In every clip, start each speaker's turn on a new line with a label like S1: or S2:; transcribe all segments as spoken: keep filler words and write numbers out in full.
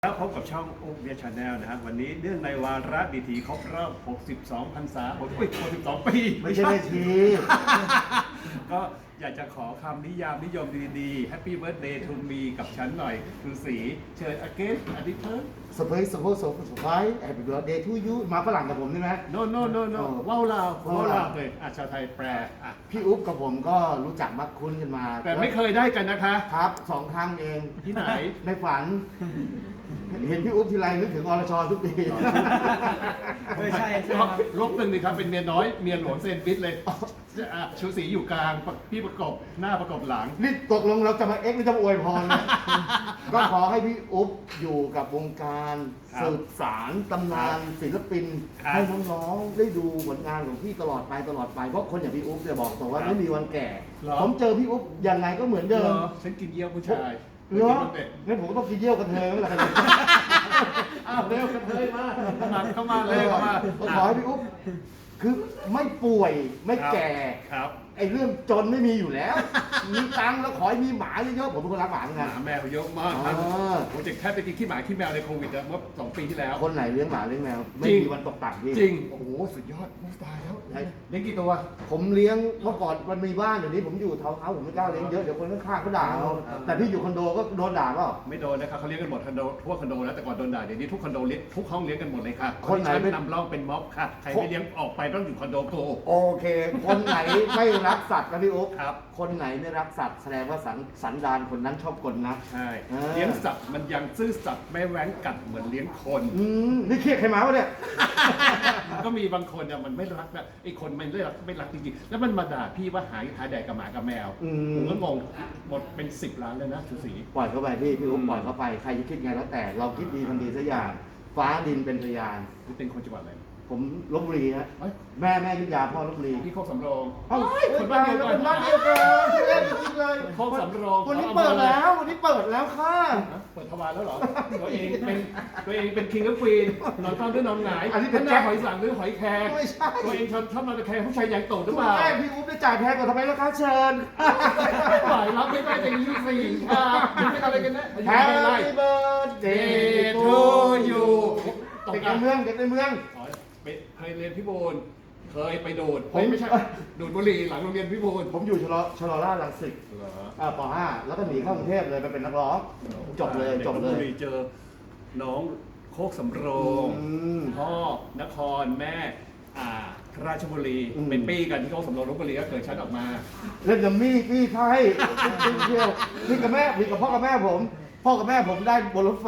S1: แล้วพบกับช่องอุ๊บเบียร์ชาแนลนะฮะวันนี้เนื่องในวาระดีทีครบรอบ หกสิบสอง พรรษาโอ้ยหกสิบสอง ปี
S2: ไม่ใช่นาที
S1: ก็อยากจะขอคำนิยามนิยมดีๆ Happy Birthday to me กับฉันหน่อยคือสีเชิญ again อดีตเพิ่ม
S2: สเปซสโพสสไปแฮปปี้เบิร์ดเดย์ทูยูมาฝรั่งกับผมใช่ไหม
S1: no no no no
S2: เออ
S1: ว้าวลาวว้าวลา
S2: ว้าวลาว ว
S1: เลยอ่ะชาวไทยแปลอ่ะ
S2: พี่อุ๊บกับผมก็รู้จักมักคุ้นกันมา
S1: แต่ไม่เคยได้กันนะคะ
S2: ครับสองครั้งเอง
S1: ที่ไหน
S2: ในฝัน เห็นพี่อุ๊บทีไรนึกถึงอรชรทุกที
S3: ไม่ใช่ใช่
S1: ล
S3: ครับ
S1: บลบหนึ่งเลยครับเป็นเมียน้อยเมียหลวงเซนฟิตเลยอ่ะชูสีอยู่กลางพี่ประกบหน้าประกบหลัง
S2: นี่ตกลงเราจะมาเอ็กซ์หรือจะมาอวยพรเนี่ย ก็ขอให้พี่อุ๊บอยู่กับวงการ
S1: ครับ
S2: สืบสารตำนานศิลปิน
S1: ครับ
S2: ให้น้องๆได้ดูผลงานของพี่ตลอดไปตลอดไปเพราะคนอย่างพี่อุ๊บจะบอกตรงว่า
S1: ครับ
S2: ไม่มีวันแก่
S1: เหรอ
S2: ผมเจอพี่อุ๊บยังไงก็เหมือนเดิม
S1: เหรอฉันกินเยี่ยวผู้ชาย
S2: เหรอ
S1: เด็ก
S2: งั้นผมก็ต้องกินเยี่ยวกันเทยแล้วล่ะ
S1: อ้าวเร็วกันเลยมาเข้ามาเข้ามาเลยเข้ามา
S2: ผมขอให้พี่อุ๊บคือไม่ป่วยไม่แก่
S1: ครับ
S2: ไอ้เรื่องจนไม่มีอยู่แล้ว มีตังค์แล้วขอให้มีหมาเยอะๆผมเป็นคนรักหมาเหมือน
S1: ห
S2: กัน
S1: มาแมวเยอะมากครับ
S2: อ๋อ
S1: ผมจะแค่ไปกินขี้หมาขี้แมวในโควิดอะเมื่อสองปีที่แล้ว
S2: คนไหนเลี้ยงหมาเลี้ยงแมวไม่
S1: จริง
S2: มีวันตกต่ำพี่
S1: จริงโอ้โหสุดยอดมูตายแล้ว
S2: ใช่
S1: เลี้ยงกี่ตัว
S2: ผมเลี้ยงเมื่อก่อนมันมีบ้านเดี๋ยวนี้ผมอยู่เทาวน์เฮาส์ผมไม่กล้าเลี้ยงเยอะเดี๋ยวคนข้างๆเขาด่าเอาแต่พี่อยู่คอนโดก็โดนด่าเปล่า
S1: ไม่โดนนะครับเขาเลี้ยงกันหมดคอนโดทั่วคอนโดแล้วแต่ก่อนโดนด่าเดี๋ยวนี้ทุกคอนโดเลี้ยงทุกห้องเลี้ยงกันหมดเลยค่ะ
S2: คนไหน
S1: ชั้
S2: เป็น
S1: นำร่องเป็นม็อบค่ะใครไม่เลี้ยงออกไปต้องอยู่คอนโดโก
S2: โอเค คนไหนไม่รักสัตว์นะพี่อุ๊บ
S1: ครับ
S2: คนไหนไม่รักสัตว์แสดงว่าสันสันดานคนนั้นชอบกลนะ
S1: ใช่
S2: เออ
S1: เลี้ยงสัตว์มันยังซื่อสัตย์ไม่แว้งกัดเหมือนเลี้ยงคน
S2: อืมนี่เครียดใครมาวะเนี่ย
S1: ก็มีบางคนเนี่ยมันไม่รักนะไอ้คนมันไม่รักไม่รักจริงๆแล้วมันมาด่าพี่ว่าหายหาแดกกับหมากับแมว
S2: อืม
S1: ผมก็งงหมดเป็นสิบล้านเลยนะชูศรี
S2: ปล่อยเข้าไปพี่พี่อุ๊บ
S1: อืม
S2: ปล่อยเข้าไปใครจะคิดไงแล้วแต่เราคิดดีทำดีสักอย่าง ฟ้าดินเป็นพยาน
S1: คุณเป็นคนจังหวัดอะไร
S2: ผมลบบุรีฮะ
S1: เฮ้ย
S2: แม่แม่ยุทธยาพ่อลบบุรี
S1: พี่โคกสำโรง
S2: เอ้า
S1: คนบ้านเดียวกัน
S2: คนบ้านเดียวกันที่แรกจริงๆเลย
S1: โคกสำโรง
S2: วันนี้เปิดแล้ววันนี้เปิดแล้วค่ะ
S1: ฮะเปิดทวารแล้วเหรอตัวเองเป็นตัวเองเป็นคิงและควีนนอนเฝ้าด้วยนอนหงาย
S2: อันนี้เป็น
S1: ห
S2: แจ็
S1: น้า
S2: ค
S1: หอยสังหรือหอยแครง
S2: ไม่ใช่
S1: ตัวเองชอบชอบนอนตะแคงผู้ชายใหญ่โตหรือ
S2: ถู
S1: เป
S2: ก
S1: ล่า
S2: แม่พี่อุ๊บได้จ่ายแพงกว่าทำไมล่ะคะเชิญ
S1: ฝ่ายรับไม่ได้แต่ยี่สี่ค่ะเป็นอะไรกันนะอายุ
S2: แฮ
S1: ไม่
S2: ป
S1: ไล่
S2: ปี้เบิร์ดเด
S1: Day
S2: ย์
S1: to
S2: ทู
S1: you ตก
S2: เด็ก
S1: อ่ะ
S2: ในเมืองเด็กในเมือง
S1: อ๋อไปเคยเรียนพิบูลเคยไปดูด
S2: ผม
S1: ไม่ใช่ดูดบุหรี่หลังโรงเรียนพิบูล
S2: ผมอยู่ชลชลราชรังสิต
S1: เหรอ
S2: อ่าป .ห้า แล้วก็หนีเข้ากรุงเทพเลยไปเป็นนักร้อง จบเลยจบเล
S1: ด็กลพ
S2: ย
S1: บุรีเจอน้องโคกสำโรง
S2: อืม
S1: พ่อนครแม่อ่าราชบุรี
S2: อืม
S1: เป็นปีกันที่โคกสำโรงลพบุรีก็เกิดชั้นออกมา
S2: เล่นกับมี่พี่ไพ่เที่ยวพี่กับแม่พี่กับพ่อกับแม่ผม พ่อกับแม่ผมได้บนรถไฟ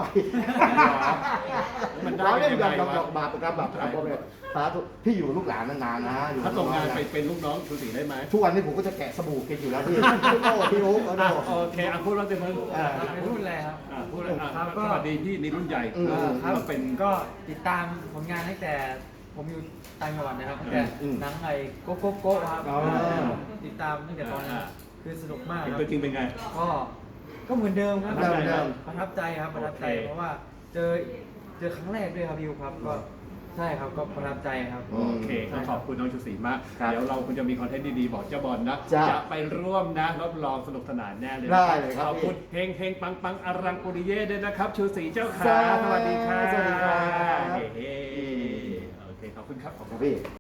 S1: มันได้
S2: เรา
S1: กั
S2: เล่
S1: น
S2: น
S1: ยัง
S2: กับ
S1: ไง
S2: กับ
S1: วะ
S2: บาปกับแบบกับพ่อแม่สาธุพี่อยู่กับลูกหลานนานๆนะอยู่กับ
S1: ถ้าส่งงาน
S2: ลูกหล
S1: ไปเป็นลูกน้องชูศรีได้ไหม
S2: ทุกวันนี้ผมก็จะแกะสบู่กินอยู่แล้วพี่พี่โอ้พี่โอ๊คเอา
S1: อ่ะ
S2: ดู
S1: โอเคอ่ะพูดแล้วเต็มมือ
S2: อ่า
S3: ไม่พูดเลยครับ
S1: อ่ะพูดแล้วอ่ะ
S3: ครับก็
S1: สวัสดีพี่นี่รุ่นใหญ่
S2: อืม
S1: เออ
S3: ครับ
S1: เป็น
S3: ก็ติดตามผลงานตั้งแต่ผมอยู่ต่างจังหวัดนะครับตั้งแต่
S2: อืม
S3: หนังไอ้โกโก้โก้ครับ
S2: อ๋อ
S3: ติดตามตั้งแต่ตอนนั้น
S1: อ่า
S3: คือสนุกมาก
S1: เป็น
S3: ครับ
S1: ตัวจริงเป็นไง
S3: ก็ก็เหมือนเดิมครับ
S2: เหมือนเดิม
S3: ประทับใจครับประทับใจ
S1: โอเค
S3: เพราะว่าเจอเจอครั้งแรกด้วยครับพี่อุ๊บครับก็ใช่ครับก็ประทับใจครับ
S1: โอเคก็ขอบคุณน้องชูศรีมาก
S2: ครับ
S1: เดี๋ยวเราคงจะมีคอนเทนต์ดีๆ บอกเจ้าบอลนะ
S2: จ้ะ
S1: จะไปร่วมนะรับรองสนุกสนานแน่เลยนะ
S2: ได้เลยครับ
S1: ขอบคุณเฮงเฮงปังปังอรังปุริเย่ด้วยนะครับ ชูศรีเจ้าขา
S2: จ้า
S1: สวัสดีค่ะ
S2: สวัสดีครับ
S1: เฮ้ๆโอเค ขอบคุณครับ ขอบคุณ
S2: พี่